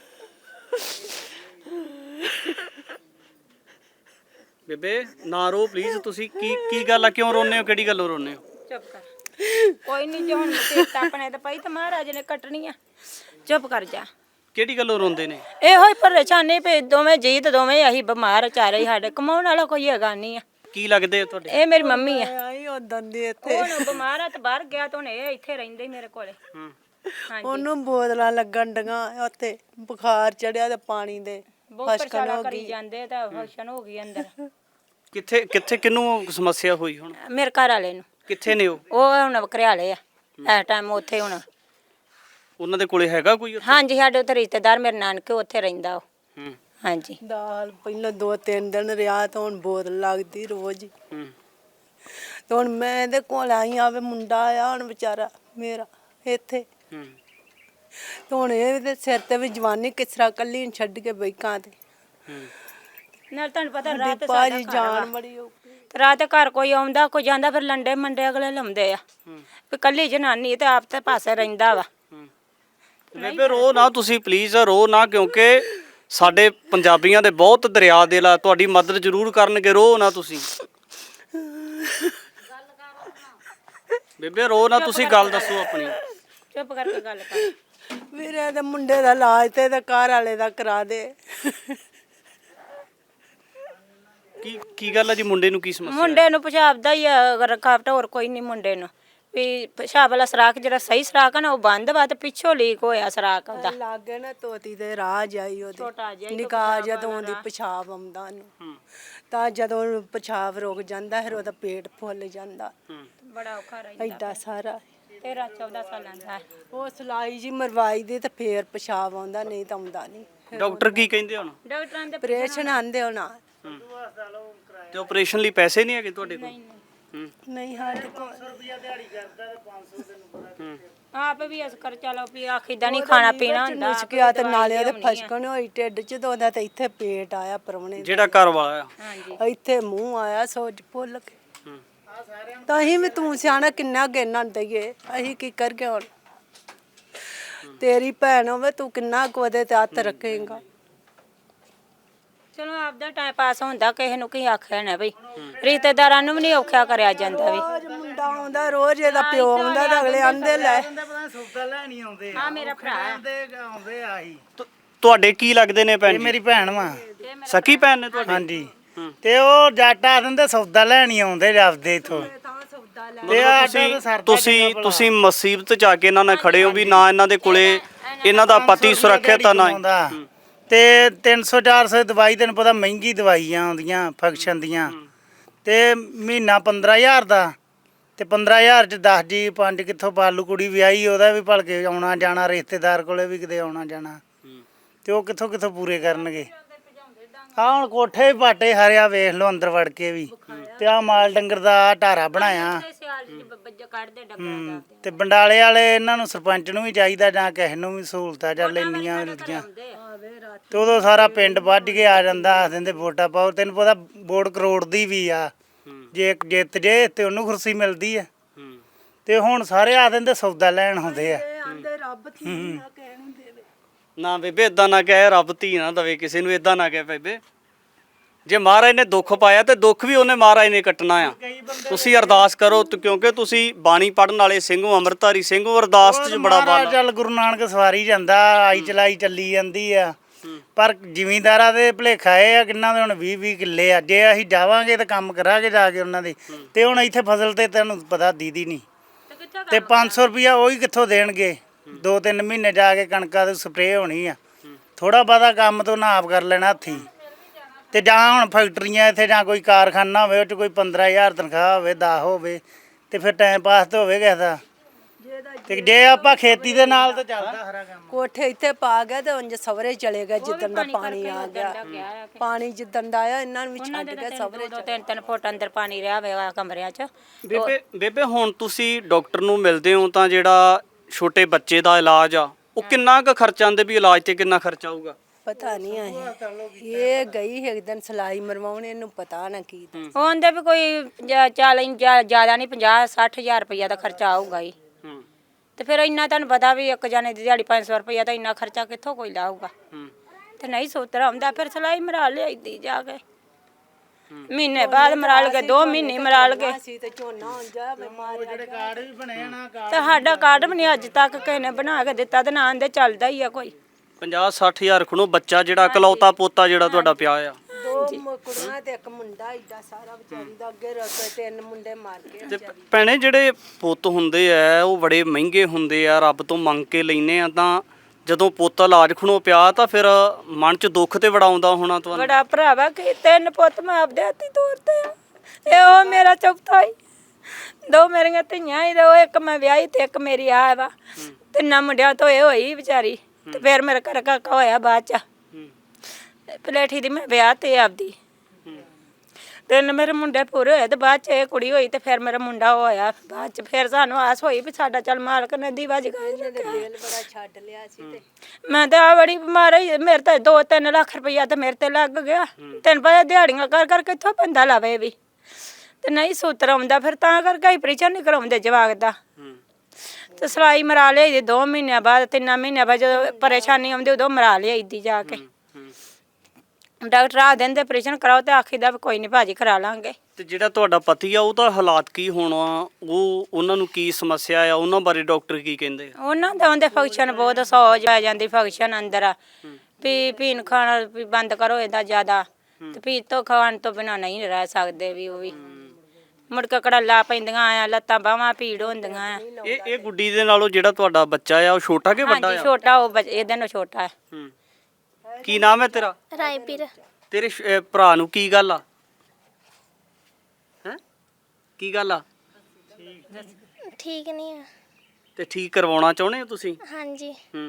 Speaker 1: ਬੇਬੇ ਨਾ ਰੋ ਪਲੀਜ਼। ਤੁਸੀਂ ਕੀ ਕੀ ਗੱਲ ਆ, ਕਿਉਂ ਰੋਨੇ ਹੋ, ਕਿਹੜੀ ਗੱਲੋਂ ਰੋਨੇ ਹੋ?
Speaker 2: ਚੁੱਪ ਕਰ, ਕੋਈ ਨਹੀਂ, ਜੇ ਹੁਣ ਮੁਸੀਬਤ ਆਪਣੇ ਤੇ ਪਈ ਤਾਂ ਮਹਾਰਾਜ ਨੇ ਕੱਟਣੀ ਆ, ਚੁੱਪ ਕਰ ਜਾ।
Speaker 1: ਕਿਹੜੀ ਗੱਲੋਂ ਰੋਂਦੇ ਨੇ?
Speaker 2: ਇਹੋ ਹੀ ਪਰੇਸ਼ਾਨੀ ਪਈ, ਦੋਵੇਂ ਜੀ ਤੇ ਦੋਵੇਂ ਅਸੀਂ ਬਿਮਾਰ ਚਾਰੇ ਹੀ, ਸਾਡੇ ਕਮਾਉਣ ਵਾਲਾ ਕੋਈ ਹੈਗਾ ਨਹੀਂ ਆ।
Speaker 1: ਕੀ ਲੱਗਦੇ ਆ ਤੁਹਾਡੇ?
Speaker 2: ਇਹ ਮੇਰੀ ਮੰਮੀ ਆ,
Speaker 3: ਆਈ ਉਦੋਂ ਦੀ ਇੱਥੇ,
Speaker 2: ਹੁਣ ਬਿਮਾਰ ਆ ਤੇ ਬਾਹਰ ਗਿਆ, ਤਾਂ ਹੁਣ ਇਹ ਇੱਥੇ ਰਹਿੰਦੇ ਹੀ ਮੇਰੇ ਕੋਲੇ।
Speaker 1: ਹੂੰ।
Speaker 2: ਹਾਂਜੀ,
Speaker 3: ਉਹਨੂੰ ਬੋਤਲਾਂ ਲੱਗਣ ਡੀਆਂ, ਉੱਥੇ ਬੁਖਾਰ ਚੜਿਆ ਤੇ ਪਾਣੀ ਦੇ
Speaker 2: ਬਹੁਤ ਪਰੇਸ਼ਾਨਾ ਕਰੀ ਜਾਂਦੇ, ਤਾਂ ਫੰਕਸ਼ਨ ਹੋ ਗਈ ਅੰਦਰ।
Speaker 1: ਕਿੱਥੇ ਕਿੱਥੇ ਕਿਹਨੂੰ ਸਮੱਸਿਆ ਹੋਈ ਹੁਣ?
Speaker 2: ਮੇਰੇ ਘਰ ਵਾਲੇ ਨੂੰ।
Speaker 1: ਕਿੱਥੇ ਨੇ ਉਹ?
Speaker 2: ਉਹ ਹੁਣ ਘਰਿਆਲੇ ਆ ਇਸ ਟਾਈਮ ਉੱਥੇ। ਹੁਣ
Speaker 1: ਉਹਨਾਂ ਦੇ ਕੋਲੇ ਹੈਗਾ ਕੋਈ ਉੱਥੇ?
Speaker 2: ਹਾਂਜੀ, ਸਾਡੇ ਉੱਥੇ ਰਿਸ਼ਤੇਦਾਰ, ਮੇਰੇ ਨਾਨਕੇ ਉੱਥੇ ਰਹਿੰਦਾ ਉਹ।
Speaker 1: ਹੂੰ।
Speaker 2: ਹਾਂਜੀ।
Speaker 3: ਦਾਲ ਪਹਿਲਾਂ ਦੋ ਤਿੰਨ ਦਿਨ ਰਿਹਾ, ਤਾਂ ਹੁਣ ਬੋਤਲ ਲੱਗਦੀ ਰੋਜ਼ ਹੀ।
Speaker 1: ਹੂੰ।
Speaker 3: ਤੇ ਹੁਣ ਮੈਂ ਇਹਦੇ ਕੋਲ ਆਈ, ਆਵੇ ਮੁੰਡਾ ਆਇਆ ਹੁਣ ਵਿਚਾਰਾ ਮੇਰਾ ਇੱਥੇ,
Speaker 1: ਹੂੰ।
Speaker 3: ਤੇ ਹੁਣ ਇਹਦੇ ਸਿਰ ਤੇ ਵੀ ਜਵਾਨੀ ਕਿਸ ਤਰ੍ਹਾਂ ਕੱਲੀ ਨੂੰ ਛੱਡ ਕੇ ਬੈਕਾਂ ਤੇ।
Speaker 1: ਹੂੰ।
Speaker 2: ਨਾਲ ਤੁਹਾਨੂੰ ਪਤਾ ਰਾਤ ਸਾਡਾ
Speaker 3: ਭਾਜੀ
Speaker 2: ਘਰ
Speaker 3: ਜਾਨ
Speaker 2: ਵਾ।
Speaker 3: ਬੜੀ ਔਖੀ।
Speaker 2: ਤੇ ਰਾਤ ਘਰ ਕੋਈ ਆਉਂਦਾ ਕੋਈ ਜਾਂਦਾ, ਫਿਰ ਲੰਡੇ ਮੰਡੇ ਅਗਲੇ ਲਾਉਂਦੇ ਆ ਵੀ ਕੱਲੀ ਜਨਾਨੀ ਤੇ ਆਪ ਤੇ ਪਾਸੇ ਰਹਿੰਦਾ ਵਾ।
Speaker 1: ਬੇਬੇ ਰੋ ਨਾ ਤੁਸੀਂ ਪਲੀਜ਼, ਰੋ ਨਾ, ਕਿਉਂਕਿ ਸਾਡੇ ਪੰਜਾਬੀਆਂ ਦੇ ਬਹੁਤ ਦਰਿਆ ਦਿਲ ਆ, ਤੁਹਾਡੀ ਮਦਦ ਜ਼ਰੂਰ ਕਰਨਗੇ, ਰੋ ਨਾ ਤੁਸੀਂ। ਬੇਬੇ ਰੋ ਨਾ ਤੁਸੀਂ, ਗੱਲ ਦੱਸੋ ਆਪਣੀ।
Speaker 2: ਚੁੱਪ ਕਰਕੇ ਗੱਲ ਕਰ।
Speaker 3: ਵੀਰੇ ਦੇ ਮੁੰਡੇ ਦਾ ਇਲਾਜ ਤੇ ਇਹਦੇ ਘਰ ਵਾਲੇ ਦਾ ਕਰਾ ਦੇ।
Speaker 1: ਕੀ ਕੀ ਗੱਲ ਆ ਜੀ, ਮੁੰਡੇ ਨੂੰ ਕੀ ਸਮੱਸਿਆ?
Speaker 2: ਮੁੰਡੇ ਨੂੰ ਪਿਸ਼ਾਬ ਦਾ ਹੀ ਆ ਰਕਾਵਟ, ਹੋਰ ਕੋਈ ਨਹੀਂ ਮੁੰਡੇ ਨੂੰ। ਵੀ ਪਿਸ਼ਾਬ ਵਾਲਾ ਸਰਾਖ ਜਿਹੜਾ ਸਹੀ ਸਰਾਖ ਆ ਨਾ, ਉਹ ਬੰਦ ਵਾ, ਤੇ ਪਿੱਛੋਂ ਲੀਕ ਹੋਇਆ ਸਰਾਖ ਉਹਦਾ।
Speaker 3: ਲਾਗੇ ਨਾ ਤੋਤੀ ਦੇ ਰਾਹ ਜਾਈ
Speaker 2: ਛੋਟਾ ਜਿਹਾ
Speaker 3: ਉਹਦੀ
Speaker 2: ਹੀ
Speaker 3: ਨਿਕਾਹ, ਜਦੋਂ ਉਹਦੀ ਪਿਸ਼ਾਬ ਆਉਂਦਾ ਉਹਨੂੰ, ਤਾਂ ਜਦੋਂ ਪਿਸ਼ਾਬ ਰੁਕ ਜਾਂਦਾ ਫਿਰ ਉਹਦਾ ਪੇਟ ਫੁੱਲ ਜਾਂਦਾ,
Speaker 2: ਬੜਾ ਔਖਾ ਰਹਿੰਦਾ।
Speaker 3: ਐਡਾ ਸਾਰਾ।
Speaker 2: ਤੇਰਾਂ ਚੌਦਾਂ ਸਾਲਾਂ ਦਾ।
Speaker 3: ਉਹ ਸਿਲਾਈ ਜੀ ਮਰਵਾਈ ਦੀ ਤੇ ਫੇਰ ਪਿਸ਼ਾਬ ਆਉਂਦਾ, ਨਹੀਂ ਤਾਂ ਆਉਂਦਾ ਨਹੀਂ।
Speaker 1: ਡਾਕਟਰ ਕੀ ਕਹਿੰਦੇ ਹੁਣ?
Speaker 2: ਡਾਕਟਰਾਂ ਦੇ
Speaker 3: ਆਪਰੇਸ਼ਨ ਆਂਦੇ ਹੋਣਾ।
Speaker 1: ਤੇ ਆਪਰੇਸ਼ਨ ਲਈ ਪੈਸੇ ਨਹੀਂ ਹੈਗੇ ਤੁਹਾਡੇ ਕੋਲ? ਹੂੰ।
Speaker 3: ਨਹੀਂ ਸਾਡੇ ਕੋਲ
Speaker 2: ਆਪ ਵੀ ਅਸ ਕਰ ਚਲੋ ਵੀ ਆਖੀਦਾ ਨਹੀਂ ਖਾਣਾ ਪੀਣਾ ਹੁੰਦਾ।
Speaker 3: ਨੁਸਕਿਆ ਤੇ ਨਾਲੇ ਉਹਦੇ ਫਸਕਣ ਹੋਈ ਢਿੱਡ ਚ, ਤੇ ਉਹਦਾ ਤੇ ਇੱਥੇ ਪੇਟ ਆਇਆ ਪਰਵਣੇ,
Speaker 1: ਜਿਹੜਾ ਘਰ ਵਾਲਾ ਆ?
Speaker 2: ਹਾਂਜੀ।
Speaker 3: ਇੱਥੇ ਮੂੰਹ ਆਇਆ ਸੋਜ ਭੁੱਲ ਕੇ।
Speaker 1: ਹੂੰ।
Speaker 3: ਤਾਂ ਅਸੀਂ ਵੀ ਤੂੰ ਸਿਆਣਾ ਕਿੰਨਾ ਗੇਨਾ ਦਈਏ, ਅਸੀਂ ਕੀ ਕਰਗੇ ਹੁਣ। ਤੇਰੀ ਭੈਣ ਹੋਵੇ ਤੂੰ ਕਿੰਨਾ ਕੁ ਉਹਦੇ ਤੇ ਹੱਥ ਰੱਖੇਂਗਾ।
Speaker 2: ਚਲੋ ਆਪਦਾ ਟਾਈਮ ਪਾਸ ਹੁੰਦਾ, ਕਿਸੇ ਨੂੰ ਕੀ ਆਖਿਆ ਨਾ ਬਈ, ਰਿਸ਼ਤੇਦਾਰਾਂ ਨੂੰ ਵੀ ਨਹੀਂ ਔਖਾ ਕਰਿਆ ਜਾਂਦਾ ਵੀ।
Speaker 3: ਰੋਜ਼ ਮੁੰਡਾ ਆਉਂਦਾ, ਰੋਜ਼ ਇਹਦਾ ਪਿਓ ਆਉਂਦਾ ਤਾਂ ਅਗਲੇ ਆਂਦੇ ਲੈ
Speaker 4: ਸੌਦਾ ਲੈਣੀ ਆਉਂਦੇ
Speaker 2: ਆ ਮੇਰਾ ਭਰਾ
Speaker 4: ਆਉਂਦੇ ਆਉਂਦੇ ਆ ਹੀ।
Speaker 1: ਤੁ- ਤੁਹਾਡੇ ਕੀ ਲੱਗਦੇ ਨੇ ਭੈਣ
Speaker 4: ਇਹ
Speaker 1: ਜੀ?
Speaker 4: ਮੇਰੀ ਭੈਣ ਵਾ।
Speaker 1: ਸਕੀ ਭੈਣ ਨੇ ਤੁਹਾਡੀ?
Speaker 4: ਹਾਂਜੀ। ਤੇ ਉਹ ਜੱਟ ਆ ਦਿੰਦੇ ਸੌਦਾ ਲੈਣੀ ਆਉਂਦੇ ਜਾਂਦੇ ਇਥੋਂ।
Speaker 1: ਮਤਲਬ ਤੁਸੀਂ ਤੁਸੀਂ ਤੁਸੀਂ ਮੁਸੀਬਤ ਚ ਆ ਕੇ ਇਹਨਾਂ ਨਾਲ ਖੜੇ ਹੋ ਵੀ ਨਾ ਇਹਨਾਂ ਦੇ ਕੋਲੇ ਇਹਨਾਂ ਦਾ ਪਤੀ ਸੁਰੱਖਿਅਤ ਆ ਨਾ ਹੀ।
Speaker 4: ਤੇ ਤਿੰਨ ਸੌ ਚਾਰ ਸੌ ਦਵਾਈ ਤੈਨੂੰ ਪਤਾ ਮਹਿੰਗੀ ਦਵਾਈਆਂ ਆਉਂਦੀਆਂ ਫੰਕਸ਼ਨ ਦੀਆਂ, ਤੇ ਮਹੀਨਾ ਪੰਦਰਾਂ ਹਜ਼ਾਰ ਦਾ, ਤੇ ਪੰਦਰਾਂ ਹਜ਼ਾਰ ਚ ਦਸ ਜੀ ਪੰਜ ਕਿੱਥੋਂ ਪਾਲੂ ਕੁੜੀ ਵਿਆਹੀ, ਉਹਦਾ ਵੀ ਭਲਕੇ ਆਉਣਾ ਜਾਣਾ, ਰਿਸ਼ਤੇਦਾਰ ਕੋਲੇ ਵੀ ਕਿਤੇ ਆਉਣਾ ਜਾਣਾ, ਤੇ ਉਹ ਕਿੱਥੋਂ ਕਿੱਥੋਂ ਪੂਰੇ ਕਰਨਗੇ। ਆ ਹੁਣ ਕੋਠੇ ਵੀ ਪਾਟੇ ਹਰਿਆ ਵੇਖ ਲਓ ਅੰਦਰ ਵੜ ਕੇ ਵੀ, ਤੇ ਆ ਮਾਲ ਡੰਗਰ ਦਾ ਆਹ ਢਾਰਾ ਬਣਾਇਆ। ਹੂੰ, ਤੇ ਬੰਡਾਲੇ ਵਾਲੇ ਇਹਨਾਂ ਨੂੰ ਸਰਪੰਚ ਨੂੰ ਵੀ ਚਾਹੀਦਾ ਜਾਂ ਕਿਸੇ ਨੂੰ ਵੀ ਸਹੂਲਤਾਂ ਚੱਲ ਇੰਨੀਆਂ ਮਿਲਦੀਆਂ, ਤੇ ਉਦੋਂ ਸਾਰਾ ਪਿੰਡ ਵੱਢ ਕੇ ਆ ਜਾਂਦਾ, ਆਖ ਦਿੰਦੇ ਵੋਟਾਂ ਪਾਓ। ਤੈਨੂੰ ਪਤਾ ਵੋਟ ਕਰੋੜ ਦੀ ਵੀ ਆ, ਜੇ ਇੱਕ ਜਿੱਤ ਜੇ ਤੇ ਉਹਨੂੰ ਕੁਰਸੀ ਮਿਲਦੀ ਆ, ਤੇ ਹੁਣ ਸਾਰੇ ਆ ਦਿੰਦੇ ਸੌਦਾ ਲੈਣ ਹੁੰਦੇ ਆ।
Speaker 1: ਨਾ ਬੇਬੇ ਇਦਾਂ ਨਾ ਕਹਿ, ਰੱਬ ਧੀ ਨਾ ਦਵੇ ਕਿਸੇ ਨੂੰ, ਇਦਾਂ ਨਾ ਕਹਿ ਬੇਬੇ। ਜੇ ਮਹਾਰਾਜ ਨੇ ਦੁੱਖ ਪਾਇਆ ਤੇ ਦੁੱਖ ਵੀ ਉਹਨੇ ਮਹਾਰਾਜ ਨੇ ਕੱਟਣਾ ਆ। ਤੁਸੀਂ ਅਰਦਾਸ ਕਰੋ ਤੇ ਕਿਉਂਕਿ ਤੁਸੀਂ ਬਾਣੀ ਪੜਨ ਵਾਲੇ ਸਿੰਘ ਹੋ, ਅੰਮ੍ਰਿਤਧਾਰੀ ਸਿੰਘ ਹੋ, ਅਰਦਾਸ 'ਚ ਬੜਾ
Speaker 4: ਮਹਾਰਾਜ
Speaker 1: ਬਲ ਆ।
Speaker 4: ਚੱਲ ਗੁਰੂ ਨਾਨਕ ਸਵਾਰੀ ਜਾਂਦਾ, ਆਈ ਚਲਾਈ ਚੱਲੀ ਜਾਂਦੀ ਆ, ਪਰ ਜ਼ਿਮੀਂਦਾਰਾਂ ਦੇ ਭੁਲੇਖਾ ਇਹ ਆ ਕਿੰਨਾ ਦੇ ਹੁਣ ਵੀਹ ਵੀਹ ਕਿੱਲੇ ਆ। ਜੇ ਅਸੀਂ ਜਾਵਾਂਗੇ ਤਾਂ ਕੰਮ ਕਰਾਂਗੇ ਜਾ ਕੇ ਉਹਨਾਂ ਦੇ, ਤੇ ਹੁਣ ਇੱਥੇ ਫਸਲ ਤੇ ਤੈਨੂੰ ਪਤਾ ਦੀਦੀ ਨਹੀਂ, ਤੇ ਪੰਜ ਸੌ ਰੁਪਇਆ ਉਹੀ ਕਿੱਥੋਂ ਦੇਣਗੇ। ਦੋ ਤਿੰਨ ਮਹੀਨੇ ਜਾ ਕੇ ਕਣਕਾਂ ਦੀ ਸਪਰੇਅ ਹੋਣੀ ਆ, ਥੋੜਾ ਬਹੁਤਾ ਕੰਮ ਤੋਂ ਨਾ ਆਪ ਕਰ ਲੈਣਾ ਹੱਥੀਂ। ਤੇ ਜਾਂ ਹੁਣ ਫੈਕਟਰੀਆਂ ਇੱਥੇ ਜਾਂ ਕੋਈ ਕਾਰਖਾਨਾ ਹੋਵੇ, ਉਹ 'ਚ ਕੋਈ ਪੰਦਰਾਂ ਹਜ਼ਾਰ ਤਨਖਾਹ ਹੋਵੇ, ਦਸ ਹੋਵੇ, ਤੇ ਫਿਰ ਟਾਈਮ ਪਾਸ ਤਾਂ ਹੋਵੇ ਕਿਸੇ ਦਾ। ਤੇ ਜੇ ਆਪਾਂ ਖੇਤੀ ਦੇ ਨਾਲ ਤਾਂ ਚੱਲਦਾ ਹਰਾ ਕੰਮ।
Speaker 3: ਕੋਠੇ ਇੱਥੇ ਪਾ ਗਏ ਤੇ ਉਂਝ ਸਵਰੇ ਚਲੇ ਗਏ ਜਿੱਦਣ ਦਾ ਪਾਣੀ ਆ ਗਿਆ। ਪਾਣੀ ਜਿੱਦਣ ਦਾ ਆਇਆ ਇਹਨਾਂ ਨੂੰ ਵੀ ਛੱਡ ਕੇ ਸਵਰੇ
Speaker 2: ਦੋ ਤਿੰਨ ਤਿੰਨ ਫੁੱਟ ਅੰਦਰ ਪਾਣੀ ਰਿਹਾ ਹੋਵੇਗਾ ਕਮਰਿਆਂ 'ਚ।
Speaker 1: ਬੇਬੇ ਬੇਬੇ ਹੁਣ ਤੁਸੀਂ ਡਾਕਟਰ ਨੂੰ ਮਿਲਦੇ ਹੋ ਤਾਂ ਜਿਹੜਾ ਛੋਟੇ ਬੱਚੇ ਦਾ ਇਲਾਜ ਆ ਉਹ ਕਿੰਨਾ ਕੁ ਖਰਚਾ ਆਉਂਦੇ ਵੀ ਇਲਾਜ ਤੇ ਕਿੰਨਾ ਖਰਚਾ ਆਊਗਾ?
Speaker 3: ਪਤਾ ਨਹੀਂ ਆਏ ਇਹ ਗਈ ਇੱਕ ਦਿਨ ਸਲਾਈ ਮਰਵਾਉਣ, ਇਹਨੂੰ ਪਤਾ ਨਾ ਕੀ।
Speaker 2: ਉਹਦੇ ਵੀ ਕੋਈ ਚਾਲੀ ਜ਼ਿਆਦਾ ਨਹੀਂ, ਪੰਜਾਹ ਸੱਠ ਹਜ਼ਾਰ ਰੁਪਈਆ ਦਾ ਖਰਚਾ ਆਊਗਾ ਹੀ। ਤੇ ਫਿਰ ਇੰਨਾ ਤੁਹਾਨੂੰ ਪਤਾ ਵੀ ਇੱਕ ਜਾਣੇ ਦੀ ਦਿਹਾੜੀ ਪੰਜ ਸੌ ਰੁਪਈਆ ਤਾਂ ਇੰਨਾ ਖਰਚਾ ਕਿੱਥੋਂ ਕੋਈ ਲਾਊਗਾ। ਤੇ ਨਹੀਂ ਸੋਤਰਾ ਆਉਂਦਾ, ਫਿਰ ਸਲਾਈ ਮਰਾ ਲਿਆਈਦੀ ਜਾ ਕੇ, ਮਹੀਨੇ ਬਾਅਦ ਮਰਾ ਲਗੇ, ਦੋ ਮਹੀਨੇ ਮਰਾ ਲਗੇ।
Speaker 3: ਤੇ ਝੋਨਾ ਹੋ ਜਾ
Speaker 4: ਜਿਹੜੇ ਕਾਰਡ ਵੀ ਬਣੇ ਨਾ,
Speaker 2: ਤੇ ਸਾਡਾ ਕਾਰਡ ਵੀ ਨਹੀਂ ਅੱਜ ਤੱਕ ਕਿਸੇ ਨੇ ਬਣਾ ਕੇ ਦਿੱਤਾ, ਤੇ ਨਾਂ ਦੇ ਚੱਲਦਾ ਹੀ ਆ ਕੋਈ।
Speaker 1: ਪੰਜਾਹ ਸੱਠ ਹਜ਼ਾਰ ਖਣੋ ਬੱਚਾ ਜਿਹੜਾ ਇਕਲੌਤਾ ਪੋਤਾ ਜਿਹੜਾ ਤੁਹਾਡਾ ਪਿਆ ਆ।
Speaker 3: ਦੋ ਕੁੜੀਆਂ ਤੇ ਇੱਕ ਮੁੰਡਾ, ਏਡਾ ਸਾਰਾ ਵਿਚਾਰੀ ਦਾ ਅੱਗੇ ਰੱਖ ਤਿੰਨ ਮੁੰਡੇ ਮਾਰ ਕੇ।
Speaker 1: ਤੇ ਭੈਣੇ ਜਿਹੜੇ ਪੁੱਤ ਹੁੰਦੇ ਆ ਉਹ ਬੜੇ ਮਹਿੰਗੇ ਹੁੰਦੇ ਆ, ਰੱਬ ਤੋਂ ਮੰਗ ਕੇ ਲੈਨੇ ਆ, ਤਾਂ ਜਦੋਂ ਪੁੱਤ ਇਲਾਜ ਖਣੋ ਪਿਆ ਤਾਂ ਫਿਰ ਮਨ 'ਚ ਦੁੱਖ ਤੇ ਬੜਾ ਆਉਂਦਾ ਹੋਣਾ ਤੁਹਾਨੂੰ?
Speaker 2: ਬੜਾ ਭਰਾਵਾ ਕਿ ਤਿੰਨ ਪੁੱਤ ਮੈਂ ਆਪਦੇ ਹੱਥੀਂ ਤੋਰਦੇ ਆ, ਇਹ ਉਹ ਮੇਰਾ ਚੌਥਾ ਹੀ। ਦੋ ਮੇਰੀਆਂ ਧੀਆਂ ਹੀ, ਤੇ ਉਹ ਇੱਕ ਮੈਂ ਵਿਆਹੀ ਤੇ ਇੱਕ ਮੇਰੀ ਆ ਵਾ। ਤਿੰਨਾਂ ਮੁੰਡਿਆਂ ਤੋਂ ਇਹ ਹੋਈ ਵਿਚਾਰੀ, ਤੇ ਫਿਰ ਮੇਰਾ ਘਰ ਕਾਕਾ ਹੋਇਆ ਬਾਅਦ 'ਚ। ਪਲੇਠੀ ਦੀ ਮੈਂ ਵਿਆਹ ਤੇ ਆਪਦੀ, ਤਿੰਨ ਮੇਰੇ ਮੁੰਡੇ ਪੂਰੇ ਹੋਏ, ਤੇ ਬਾਅਦ 'ਚ ਇਹ ਕੁੜੀ ਹੋਈ, ਤੇ ਫਿਰ ਮੇਰਾ ਮੁੰਡਾ ਹੋਇਆ ਬਾਅਦ 'ਚ। ਫਿਰ ਸਾਨੂੰ ਆਸ ਹੋਈ ਵੀ ਸਾਡਾ ਚੱਲ ਮਾਲਕ ਨੇ ਦੀਵਾ ਜਗਾਏ।
Speaker 3: ਬੜਾ ਛੱਡ ਲਿਆ ਸੀ ਤੇ
Speaker 2: ਮੈਂ ਤਾਂ ਆ ਬੜੀ ਬਿਮਾਰ ਹੋਈ, ਮੇਰੇ ਤਾਂ ਦੋ ਤਿੰਨ ਲੱਖ ਰੁਪਈਆ ਤਾਂ ਮੇਰੇ ਤੇ ਲੱਗ ਗਿਆ। ਤੈਨੂੰ ਪਤਾ ਦਿਹਾੜੀਆਂ ਕਰ ਕਰ ਕਿੱਥੋਂ ਬੰਦਾ ਲਾਵੇ ਵੀ, ਤੇ ਨਹੀਂ ਸੂਤਰ ਆਉਂਦਾ, ਫਿਰ ਤਾਂ ਕਰਕੇ ਆਪਰੇਸ਼ਨ ਨਹੀਂ ਕਰਾਉਂਦੇ ਜਵਾਕ ਦਾ। ਤੇ ਸਲਾਈ ਮਰਾ ਲਿਆਈ ਦੋ ਮਹੀਨਿਆਂ ਬਾਅਦ, ਤਿੰਨਾਂ ਮਹੀਨਿਆਂ ਬਾਅਦ ਜਦੋਂ ਪਰੇਸ਼ਾਨੀ ਆਉਂਦੀ ਉਦੋਂ ਮਰਾ ਲਿਆਈਦੀ ਜਾ ਕੇ। ਡਾਕਟਰ ਆ ਦਿੰਦੇ ਆਪਰੇਸ਼ਨ ਕਰਾਓ, ਤੇ ਆਖੀਦਾ ਵੀ ਕੋਈ ਨਹੀਂ ਭਾਜੀ ਕਰਾ ਲਾਂਗੇ।
Speaker 1: ਤੇ ਜਿਹੜਾ ਤੁਹਾਡਾ ਪਤੀ ਆ ਉਹਦਾ ਹਾਲਾਤ ਕੀ ਹੋਣਾ, ਉਹ ਉਹਨਾਂ ਨੂੰ ਕੀ ਸਮੱਸਿਆ ਆ, ਉਹਨਾਂ ਬਾਰੇ ਡਾਕਟਰ ਕੀ ਕਹਿੰਦੇ ਆ?
Speaker 2: ਉਹਨਾਂ ਦਾ ਉਹਦੇ ਫੰਕਸ਼ਨ ਬਹੁਤ ਸੌਜ ਆ ਜਾਂਦੀ, ਫੰਕਸ਼ਨ ਅੰਦਰ ਆ ਵੀ ਪੀਣ ਖਾਣਾ ਵੀ ਬੰਦ ਕਰੋ ਇਹਦਾ ਜ਼ਿਆਦਾ, ਤੇ ਪੀ ਤੋਂ ਖਾਣ ਤੋਂ ਬਿਨਾਂ ਨਹੀਂ ਰਹਿ ਸਕਦੇ ਵੀ। ਉਹ ਵੀ ਮੁੜ ਕੇ ਕੜਾਲਾ ਪੈਂਦੀਆਂ ਆ, ਲੱਤਾਂ ਬਾਹਾਂ ਪੀੜ ਹੁੰਦੀਆਂ ਆ।
Speaker 1: ਇਹ ਇਹ ਗੁੱਡੀ ਦੇ ਨਾਲੋਂ ਜਿਹੜਾ ਤੁਹਾਡਾ ਬੱਚਾ ਆ ਉਹ ਛੋਟਾ ਕਿ ਵੱਡਾ
Speaker 2: ਹਾਂਜੀ
Speaker 1: ਆ?
Speaker 2: ਛੋਟਾ, ਉਹ ਬੱਚ- ਇਹਦੇ ਨਾਲੋਂ ਛੋਟਾ ਹੈ।
Speaker 1: ਹੂੰ। ਕੀ ਨਾਮ ਹੈ ਤੇਰਾ?
Speaker 5: ਰਾਏਪੀਰ।
Speaker 1: ਤੇਰੇ ਸ਼- ਅਹ ਭਰਾ ਨੂੰ ਕੀ ਗੱਲ ਆ? ਹੈ ਕੀ ਗੱਲ ਆ?
Speaker 5: ਠੀਕ ਨਹੀਂ ਆ।
Speaker 1: ਤੇ ਠੀਕ ਕਰਵਾਉਣਾ ਚਾਹੁੰਦੇ ਹੋ ਤੁਸੀਂ?
Speaker 5: ਹਾਂਜੀ।
Speaker 1: ਹੂੰ।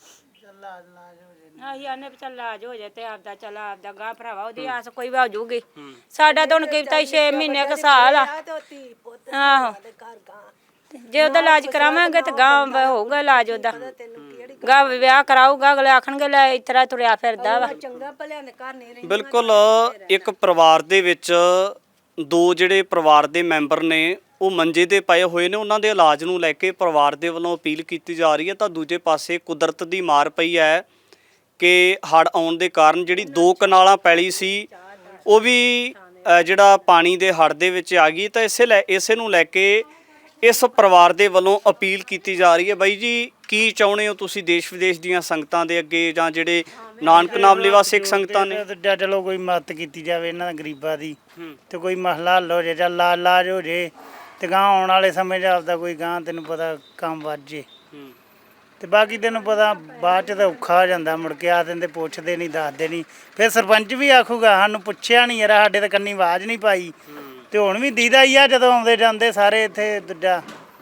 Speaker 2: ਆਹੀ ਆਨੇ ਵੀ ਚੱਲ ਇਲਾਜ ਹੋ ਜਾਏ ਤੇ ਆਪਦਾ ਚੱਲ ਆਪਦਾ ਗਾਂ ਭਰਾਵਾ, ਉਹਦੀ ਆਸ ਕੋਈ ਵੀ ਹੋ ਜੂਗੀ। ਸਾਡਾ ਤਾਂ ਹੁਣ ਕੀਤਾ ਛੇ ਮਹੀਨੇ ਕੁ ਸਾਲ ਆ। ਆਹੋ, ਜੇ ਉਹਦਾ ਇਲਾਜ ਕਰਾਵਾਂਗੇ ਤੇ ਗਾਂ ਹੋਊਗਾ ਇਲਾਜ ਉਹਦਾ। ਗਾਂ ਵਿਆਹ ਕਰਾਊਗਾ, ਅਗਲੇ ਆਖਣਗੇ ਲੈ ਇਤਰਾ ਤੁਰਿਆ ਫਿਰਦਾ ਵਾ।
Speaker 3: ਚੰਗਾ ਭਲਿਆ ਨੇ ਘਰ ਨਹੀਂ ਰਹੀ।
Speaker 1: ਬਿਲਕੁਲ ਇੱਕ ਪਰਿਵਾਰ ਦੇ ਵਿੱਚ ਦੋ ਜਿਹੜੇ ਪਰਿਵਾਰ ਦੇ ਮੈਂਬਰ ਨੇ ਉਹ ਮੰਜੇ ਤੇ ਪਏ ਹੋਏ ਨੇ, ਉਹਨਾਂ ਦੇ ਇਲਾਜ ਨੂੰ ਲੈ ਕੇ ਪਰਿਵਾਰ ਦੇ ਵੱਲੋਂ ਅਪੀਲ ਕੀਤੀ ਜਾ ਰਹੀ ਹੈ। ਤਾਂ ਦੂਜੇ ਪਾਸੇ ਕੁਦਰਤ ਦੀ ਮਾਰ ਪਈ ਹੈ ਕਿ ਹੜ੍ਹ ਆਉਣ ਦੇ ਕਾਰਨ ਜਿਹੜੀ ਦੋ ਕਨਾਲਾਂ ਪੈਲੀ ਸੀ ਉਹ ਵੀ ਅ, ਜਿਹੜਾ ਪਾਣੀ ਦੇ ਹੜ੍ਹ ਦੇ ਵਿੱਚ ਆ ਗਈ। ਤਾਂ ਇਸੇ ਲੈ ਇਸੇ ਨੂੰ ਲੈ ਕੇ ਇਸ ਪਰਿਵਾਰ ਦੇ ਵੱਲੋਂ ਅਪੀਲ ਕੀਤੀ ਜਾ ਰਹੀ ਹੈ। ਬਾਈ ਜੀ, ਕੀ ਚਾਹੁੰਦੇ ਹੋ ਤੁਸੀਂ ਦੇਸ਼ ਵਿਦੇਸ਼ ਦੀਆਂ ਸੰਗਤਾਂ ਦੇ ਅੱਗੇ ਜਾਂ ਜਿਹੜੇ ਨਾਨਕ ਨਾਮ ਲੈਵਾ ਸਿੱਖ ਸੰਗਤਾਂ ਨੇ?
Speaker 4: ਤੇ ਚਲੋ ਕੋਈ ਮਦਦ ਕੀਤੀ ਜਾਵੇ ਇਹਨਾਂ ਗਰੀਬਾਂ ਦੀ, ਤੇ ਕੋਈ ਮਸਲਾ ਹੱਲ ਹੋ ਜੇ ਜਾਂ ਲਾ ਇਲਾਜ ਹੋ ਜੇ, ਤੇ ਗਾਂ ਆਉਣ ਵਾਲੇ ਸਮੇਂ 'ਚ ਆਪਦਾ ਕੋਈ ਗਾਂ ਤੈਨੂੰ ਪਤਾ ਕੰਮ ਵੱਧ ਜੇ। ਤੇ ਬਾਕੀ ਤੈਨੂੰ ਪਤਾ ਬਾਅਦ 'ਚ ਤਾਂ ਔਖਾ ਹੋ ਜਾਂਦਾ, ਮੁੜ ਕੇ ਆ ਦਿੰਦੇ ਪੁੱਛਦੇ ਨਹੀਂ ਦੱਸਦੇ ਨਹੀਂ, ਫਿਰ ਸਰਪੰਚ ਵੀ ਆਖੂਗਾ ਸਾਨੂੰ ਪੁੱਛਿਆ ਨਹੀਂ ਯਾਰ, ਸਾਡੇ ਤਾਂ ਕੰਨੀ ਆਵਾਜ਼ ਨਹੀਂ ਪਾਈ। ਤੇ ਹੁਣ ਵੀ ਦੀਦਾ ਹੀ ਆ ਜਦੋਂ ਆਉਂਦੇ ਜਾਂਦੇ ਸਾਰੇ ਇੱਥੇ ਦੂਜਾ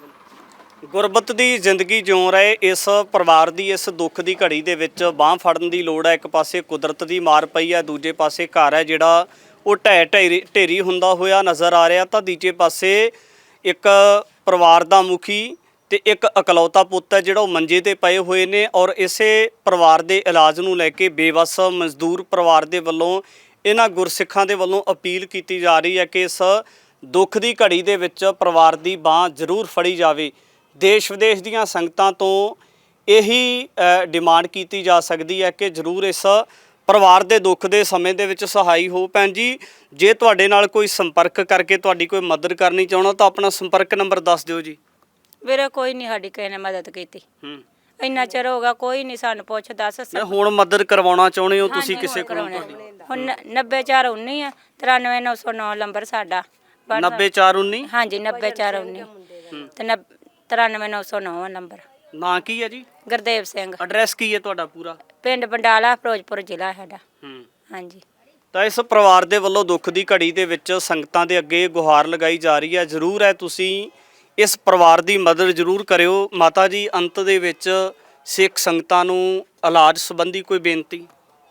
Speaker 1: ਗੁਰਬਤ ਦੀ ਜ਼ਿੰਦਗੀ ਜਿਉਂ ਰਹੇ ਇਸ ਪਰਿਵਾਰ ਦੀ ਇਸ ਦੁੱਖ ਦੀ ਘੜੀ ਦੇ ਵਿੱਚ ਬਾਂਹ ਫੜਨ ਦੀ ਲੋੜ ਹੈ। ਇੱਕ ਪਾਸੇ ਕੁਦਰਤ ਦੀ ਮਾਰ ਪਈ ਹੈ, ਦੂਜੇ ਪਾਸੇ ਘਰ ਹੈ ਜਿਹੜਾ ਉਹ ਢਹਿ ਢੇਰੀ ਢੇਰੀ ਹੁੰਦਾ ਹੋਇਆ ਨਜ਼ਰ ਆ ਰਿਹਾ। ਤਾਂ ਦੂਜੇ ਪਾਸੇ ਇੱਕ ਪਰਿਵਾਰ ਦਾ ਮੁਖੀ ਤੇ ਇੱਕ ਇਕਲੌਤਾ ਪੁੱਤ ਹੈ ਜਿਹੜਾ ਉਹ ਮੰਜੇ ਤੇ ਪਏ ਹੋਏ ਨੇ, ਔਰ ਇਸੇ ਪਰਿਵਾਰ ਦੇ ਇਲਾਜ ਨੂੰ ਲੈ ਕੇ ਬੇਵੱਸ ਮਜ਼ਦੂਰ ਪਰਿਵਾਰ ਦੇ ਵੱਲੋਂ ਇਹਨਾਂ ਗੁਰਸਿੱਖਾਂ ਦੇ ਵੱਲੋਂ ਅਪੀਲ ਕੀਤੀ ਜਾ ਰਹੀ ਹੈ ਕਿ ਇਸ ਦੁੱਖ ਦੀ ਘੜੀ ਦੇ ਵਿੱਚ ਪਰਿਵਾਰ ਦੀ ਬਾਂਹ ਜ਼ਰੂਰ ਫੜੀ ਜਾਵੇ। ਦੇਸ਼ ਵਿਦੇਸ਼ ਦੀਆਂ ਸੰਗਤਾਂ ਤੋਂ ਇਹੀ ਡਿਮਾਂਡ ਕੀਤੀ ਜਾ ਸਕਦੀ ਹੈ ਕਿ ਜ਼ਰੂਰ ਇਸ ਪਰਿਵਾਰ ਦੇ ਦੁੱਖ ਦੇ ਸਮੇਂ ਦੇ ਵਿੱਚ ਸਹਾਈ ਹੋ। ਭੈਣ ਜੀ, ਜੇ ਤੁਹਾਡੇ ਨਾਲ ਕੋਈ ਸੰਪਰਕ ਕਰਕੇ ਤੁਹਾਡੀ ਕੋਈ ਮਦਦ ਕਰਨੀ ਚਾਹੁੰਦਾ ਤਾਂ ਆਪਣਾ ਸੰਪਰਕ ਨੰਬਰ ਦੱਸ ਦਿਓ ਜੀ।
Speaker 2: ਵੀਰੇ ਕੋਈ ਨਹੀਂ ਸਾਡੀ ਕਿਸੇ ਨੇ ਮਦਦ ਕੀਤੀ,
Speaker 1: ਹੂੰ
Speaker 2: ਇੰਨਾ ਚਿਰ ਹੋ ਗਿਆ ਕੋਈ ਨਹੀਂ ਸਾਨੂੰ ਪੁੱਛ ਦੱਸ।
Speaker 1: ਮੈਂ ਹੁਣ ਮਦਦ ਕਰਵਾਉਣਾ ਚਾਹੁੰਦੇ ਹੋ ਤੁਸੀਂ ਕਿਸੇ ਕੋਲੋਂ? ਤੁਹਾਡੀ
Speaker 2: ਹੁਣ ਨੱਬੇ ਚਾਰ ਉੱਨੀ ਆ, ਤਰਾਨਵੇਂ ਨੌ ਸੌ ਨੌ ਨੰਬਰ ਸਾਡਾ।
Speaker 1: ਨੱਬੇ ਚਾਰ ਉੱਨੀ?
Speaker 2: ਹਾਂਜੀ ਨੱਬੇ ਚਾਰ ਉੱਨੀ ਤੇ ਨੱਬ ਤਰਾਨਵੇਂ ਨੌ ਸੌ ਨੌ ਨੰਬਰ।
Speaker 1: ਨਾਂ ਕੀ ਹੈ ਜੀ?
Speaker 2: ਗੁਰਦੇਵ ਸਿੰਘ।
Speaker 1: ਐਡਰੈਸ ਕੀ ਹੈ ਤੁਹਾਡਾ ਪੂਰਾ?
Speaker 2: ਪਿੰਡ ਬੰਡਾਲਾ, ਫਿਰੋਜ਼ਪੁਰ ਜ਼ਿਲ੍ਹਾ ਸਾਡਾ।
Speaker 1: ਹੂੰ
Speaker 2: ਹਾਂਜੀ।
Speaker 1: ਤਾਂ ਇਸ ਪਰਿਵਾਰ ਦੇ ਵੱਲੋਂ ਦੁੱਖ ਦੀ ਘੜੀ ਦੇ ਵਿੱਚ ਸੰਗਤਾਂ ਦੇ ਅੱਗੇ ਗੁਹਾਰ ਲਗਾਈ ਜਾ ਰਹੀ ਹੈ। ਜ਼ਰੂਰ ਹੈ ਤੁਸੀਂ ਇਸ ਪਰਿਵਾਰ ਦੀ ਮਦਦ ਜ਼ਰੂਰ ਕਰਿਓ। ਮਾਤਾ ਜੀ, ਅੰਤ ਦੇ ਵਿੱਚ ਸਿੱਖ ਸੰਗਤਾਂ ਨੂੰ ਇਲਾਜ ਸੰਬੰਧੀ ਕੋਈ ਬੇਨਤੀ?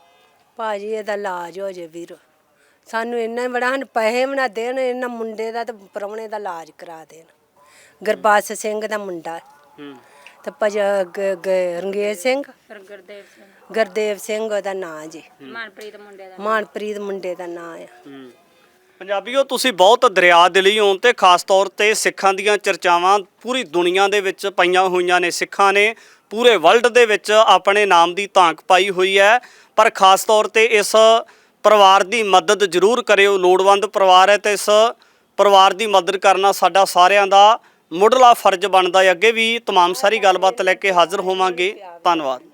Speaker 3: ਭਾਜੀ ਇਹਦਾ ਇਲਾਜ ਹੋ ਜੇ ਵੀਰ, ਸਾਨੂੰ ਇੰਨਾ ਹੀ ਬੜਾ, ਹਨ ਪੈਸੇ ਬਣਾ ਦੇਣ, ਇਹਨਾਂ ਮੁੰਡੇ ਦਾ ਤੇ ਪ੍ਰਾਹੁਣੇ ਦਾ ਇਲਾਜ ਕਰਾ ਦੇਣ। ਗੁਰਬਖਸ਼ ਸਿੰਘ ਦਾ ਮੁੰਡਾ
Speaker 1: ਹੂੰ
Speaker 3: ਤੇ ਭਜ ਰੰਗੇਜ ਸਿੰਘ,
Speaker 2: ਗੁਰਦੇਵ ਸਿੰਘ,
Speaker 3: ਗੁਰਦੇਵ ਸਿੰਘ ਉਹਦਾ ਨਾਂ ਜੀ,
Speaker 2: ਮਨਪ੍ਰੀਤ ਮੁੰਡੇ ਦਾ।
Speaker 3: ਮਾਨਪ੍ਰੀਤ ਮੁੰਡੇ ਦਾ ਨਾਂ ਆ।
Speaker 1: ਹੂੰ ਪੰਜਾਬੀਓ, ਤੁਸੀਂ ਬਹੁਤ ਦਰਿਆ ਦਿਲੀ ਹੋ ਤੇ ਖਾਸ ਤੌਰ ਤੇ ਸਿੱਖਾਂ ਦੀਆਂ ਚਰਚਾਵਾਂ ਪੂਰੀ ਦੁਨੀਆ ਦੇ ਵਿੱਚ ਪਈਆਂ ਹੋਈਆਂ ਨੇ। ਸਿੱਖਾਂ ਨੇ ਪੂਰੇ ਵਰਲਡ ਦੇ ਵਿੱਚ ਆਪਣੇ ਨਾਮ ਦੀ ਧਾਂਕ ਪਾਈ ਹੋਈ ਹੈ, ਪਰ ਖਾਸ ਤੌਰ ਤੇ ਇਸ ਪਰਿਵਾਰ ਦੀ ਮਦਦ ਜ਼ਰੂਰ ਕਰਿਓ। ਲੋੜਵੰਦ ਪਰਿਵਾਰ ਹੈ ਤੇ ਇਸ ਪਰਿਵਾਰ ਦੀ ਮਦਦ ਕਰਨਾ ਸਾਡਾ ਸਾਰਿਆਂ ਦਾ ਮੁੱਢਲਾ ਫਰਜ਼ ਬਣਦਾ ਹੈ। ਅੱਗੇ ਵੀ ਤਮਾਮ ਸਾਰੀ ਗੱਲਬਾਤ ਲੈ ਕੇ ਹਾਜ਼ਰ ਹੋਵਾਂਗੇ। ਧੰਨਵਾਦ।